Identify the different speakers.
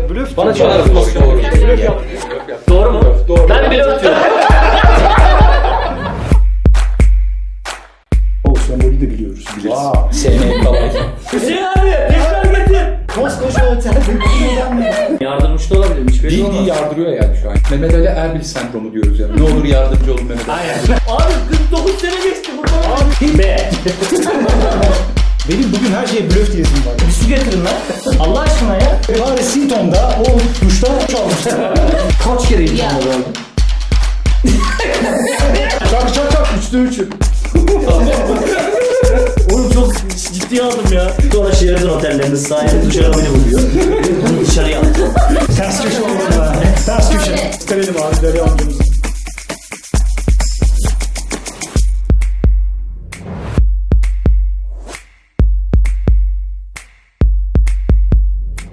Speaker 1: blöf.
Speaker 2: Bana çok doğru. Doğru mu? Doğru. Ben bile atıyorum.
Speaker 1: O sembolü de biliyoruz.
Speaker 2: Sevmeyi kolay. Hüseyin abi tekrar getir.
Speaker 1: Koskoca otelde bilmeden mi?
Speaker 2: Yardımcı da olabilir. Hiçbir şey olmaz.
Speaker 3: Bildiği yardırıyor yani şu an. Mehmet Ali Erbil sendromu diyoruz yani. Ne olur yardımcı olun Mehmet Ali.
Speaker 2: Abi 49 sene geçti burada. Abi. B.
Speaker 1: Benim bugün her şeye blöf diyesim var.
Speaker 2: Bir su getirin lan. Allah aşkına ya.
Speaker 1: Bari Sinton'da o duşta çalmışlar.
Speaker 2: Kaç kere gittim orada?
Speaker 1: Çak çak çak 3'te 3'ü.
Speaker 2: Oğlum çok ciddiye aldım ya. Sonra Sheraton otellerinde sahibi dışarı beni buluyor. Bunu dışarıya attı.
Speaker 1: Ters köşe olmadı ha. Ters köşe. Verelim abi Derya amcamızı.